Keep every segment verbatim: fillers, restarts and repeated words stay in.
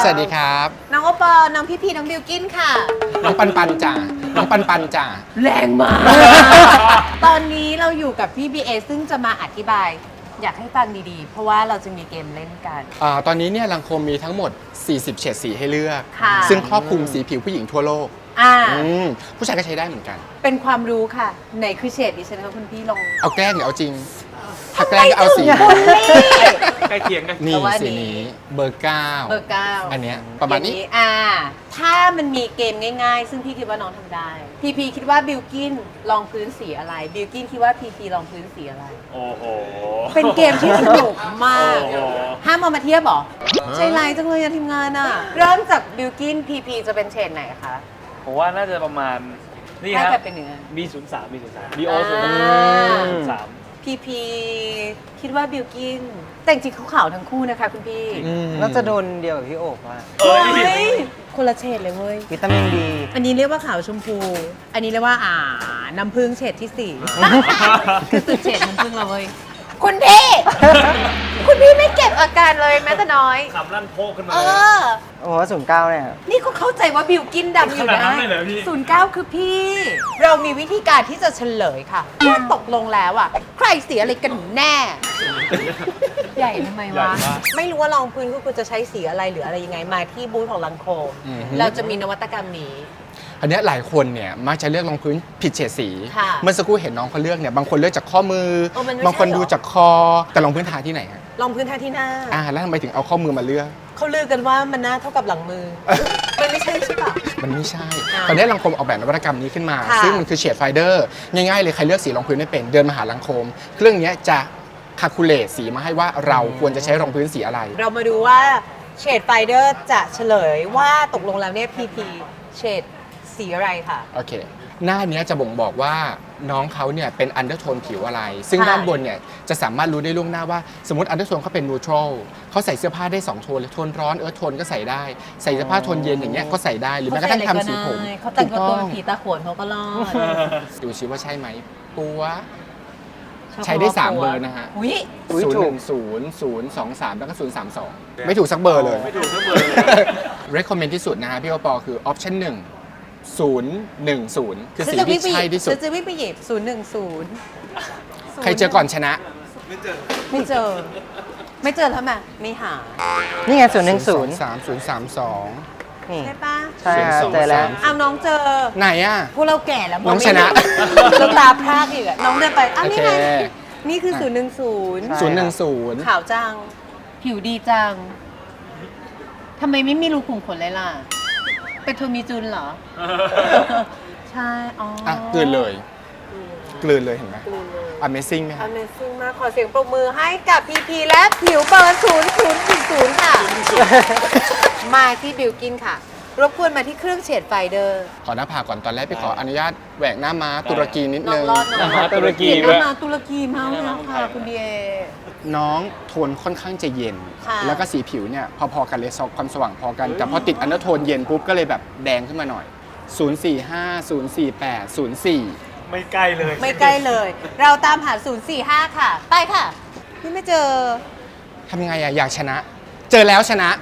สวัสดีครับน้องโอปอน้องพี่พีน้องบิวกินค่ะน้องปันปันจ่าน้องปันปันจ่าแรงมากตอนนี้เราอยู่กับพี่บีเอซึ่งจะมาอธิบายอยากให้ฟังดีๆเพราะว่าเราจะมีเกมเล่นกันอ่าตอนนี้เนี่ยลังโคมมีทั้งหมดสี่สิบเฉดสีให้เลือกซึ่งครอบคลุมสีผิวผู้หญิงทั่วโลกอ่าผู้ชายก็ใช้ได้เหมือนกันเป็นความรู้ค่ะไหนคือเฉดดิฉันคะคุณพี่ลองเอาแกล้งหรือเอาจริงถ้าแกล้งก็เอาสีใกล้เคียงกันนี่สีนี้เบอร์เก้าเบอร์เก้าอันเนี้ยประมาณนี้อ่าถ้ามันมีเกมง่ายๆซึ่งพี่คิดว่าน้องทำได้พีพีคิดว่าบิวกินลองพื้นสีอะไรบิวกินคิดว่าพีพีลองพื้นสีอะไรโอ้โหเป็นเกมที่สนุกมากห้ามเอามาเทียบหรอใจร้ายจังเลยทีมงานอ่ะเริ่มจากบิวกินพีพีจะเป็นเฉดไหนคะผมว่าน่าจะประมาณนี่ฮะบีศูนย์สามบีศูนย์สามบีโอศูนย์สามพีพีคิดว่าบิวกินแต่จริงเขาขาวทั้งคู่นะคะคุณพี่น่าจะโดนเดียวกับพี่โอบว่าเฮ้ยคนละเฉดเลยเว้ยวิตามินดีอันนี้เรียกว่าขาวชมพูอันนี้เรียกว่าอ่าน้ำผึ้งเฉดที่สี่คือสุดเฉดน้ำผึ้งเราเว้ยคุณพี่คุณพี่ไม่เก็บอาการเลยแม้แต่น้อยขำลั่นโพกขึ้นมาเออโอ้โหศูนย์เก้าเนี่ยนี่ก็เข้าใจว่าบิวกินดำอยู่นะศูนย์เก้าคือพี่ เรามีวิธีการที่จะเฉลยค่ะว่าตกลงแล้วอ่ะใครเสียอะไรกันแน่ใหญ่ทำไมวะไม่รู้ว่าลองพื้นก็ควรจะใช้สีอะไรหรืออะไรยังไงมาที่บูธของลังโคมเราจะมีนวัตกรรมนี้อันนี้หลายคนเนี่ยมักจะเลือกรองพื้นผิดเฉดสีเมื่อสักครู่เห็นน้องเขาเลือกเนี่ยบางคนเลือกจากข้อมือบางคนดูจากคอแต่รองพื้นทาที่ไหนฮะรองพื้นทาที่หน้าอ่าแล้วทำไมถึงเอาข้อมือมาเลือกเขาลือกันว่ามันหน้าเท่ากับหลังมือมันไม่ใช่ใช่ปะมันไม่ใช่ตอนนี้ลังโคมออกแบบนวัตกรรมนี้ขึ้นมาซึ่งมันคือเฉดไฟเดอร์ง่ายๆเลยใครเลือกสีรองพื้นไม่เป็นเดินมาหาลังโคมเครื่องนี้จะคาคูลเลตสีมาให้ว่าเราควรจะใช้รองพื้นสีอะไรเรามาดูว่าเฉดไฟเดอร์จะเฉลยว่าตกลงแล้วเนี่ยพีพีเฉดสีอะไรค่ะโอเคหน้านี้จะบ่งบอกว่าน้องเขาเนี่ยเป็นอันเดอร์โทนผิวอะไรซึ่งด้านบนเนี่ยจะสามารถรู้ได้ล่วงหน้าว่าสมมติอันเดอร์โทนเขาเป็นนูทรัลเขาใส่เสื้อผ้าได้สองโทนเลยโทนร้อนเอิร์ธโทนก็ใส่ได้ใส่เสื้อผ้าโทนเย็นอย่างเงี้ยก็ใส่ได้หรือแม้กระทั่งทำสีผมเขาแต่งตัวผีตาขวนเขาก็รอดดูชิว่าใช่ไหมปัวใช้ได้สามเบอร์นะฮะศูนย์หนึ่งศูนย์ศูนย์สองสามแล้วก็ศูนย์สามสองไม่ถูกสักเบอร์เลยไม่ถูกสักเบอร์เลย recommend ที่สุดนะฮะพี่โอปอคือ option หนึ่งศูนย์หนึ่งศูนย์คือสีที่ใช่ที่สุดจะวิ่งไปหยิบศูนย์หนึ่งศูนย์ใครเจอก่อนชนะไม่เจอไม่เจอไม่เจอแล้วไหมไม่หานี่ไงศูนย์หนึ่งศูนย์สามศูนย์สามสองใช่ปะใช่ครับเจอแล้วเอาน้องเจอไหนอ่ะพวกเราแก่แล้วน้องชนะน้องตาพรากอีกน้องเดินไปอ้าวนี่ไงนี่คือศูนย์หนึ่งศูนย์ศูนย์หนึ่งศูนย์ขาวจังผิวดีจังทำไมไม่มีรูขุมขนเลยล่ะเป็นโทมิจุนเหรอใช่อ๋ออ่ะกลืนเลยกลืนเลยเห็นไหม Amazing ไหม Amazing มากขอเสียงปรบมือให้กับพีพีและผิวเบอร์ศูนย์ศูนย์ศูนย์ค่ะมาที่บิวกินค่ะรบกวนมาที่เครื่องเฉดไฟเดอร์ขอหน้าผากก่อนตอนแรกไปขออนุญาตแหวกหน้าม้าตุรกีนิดนึงหน้าม้าตุรกีหน้าม้าตุรกีมาแล้วค่ะคุณเดียน้องโทนค่อนข้างจะเย็นแล้วก็สีผิวเนี่ยพอๆกันเลยความสว่างพอกันแต่พอติดอันเดอร์โทนเย็นปุ๊บก็เลยแบบแดงขึ้นมาหน่อยศูนย์ สี่ ห้า ศูนย์ สี่ แปด ศูนย์ สี่ไม่ใกล้เลยไม่ใกล้เลยเราตามหาศูนย์ สี่ ห้าค่ะไปค่ะนี่ไม่เจอทำไงอะอยากชนะเจอแล้วชนะ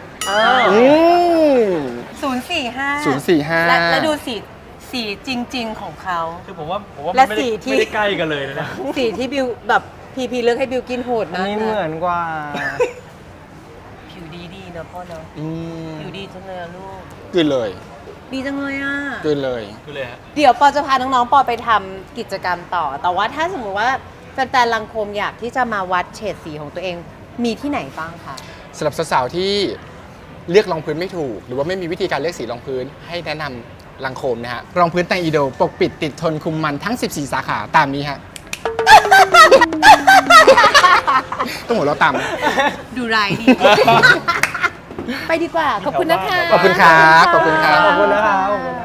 ศูนย์ สี่ ห้าศูนย์ สี่ ห้าแล้วดูสีสีจริงๆของเขาคือผมว่าผมว่าไม่ได้ใกล้กันเลยนะสีที่บิวแบบพีพีเลือกให้บิวกินโหดนะนี่เหมือนกว่าผิวดีดีนะพ่อเนาะผิวดีจังเลยลูกกินเลยดีจังเลยอ่ะกินเลยกินเลยฮะเดี๋ยวปอจะพาน้องๆปอไปทำกิจกรรมต่อแต่ว่าถ้าสมมติว่าแฟนๆลังโคมอยากที่จะมาวัดเฉดสีของตัวเองมีที่ไหนบ้างคะสำหรับสาวๆที่เลือกรองพื้นไม่ถูกหรือว่าไม่มีวิธีการเลือกสีรองพื้นให้แนะนำลังโคมนะฮะรองพื้นไตอีโดปกปิดติดทนคุมมันทั้งสิบสี่สาขาตามนี้ฮะต้องหัวเราะตามดูไรดีไปดีกว่าขอบคุณนะคะขอบคุณครับขอบคุณครับขอบคุณนะครับ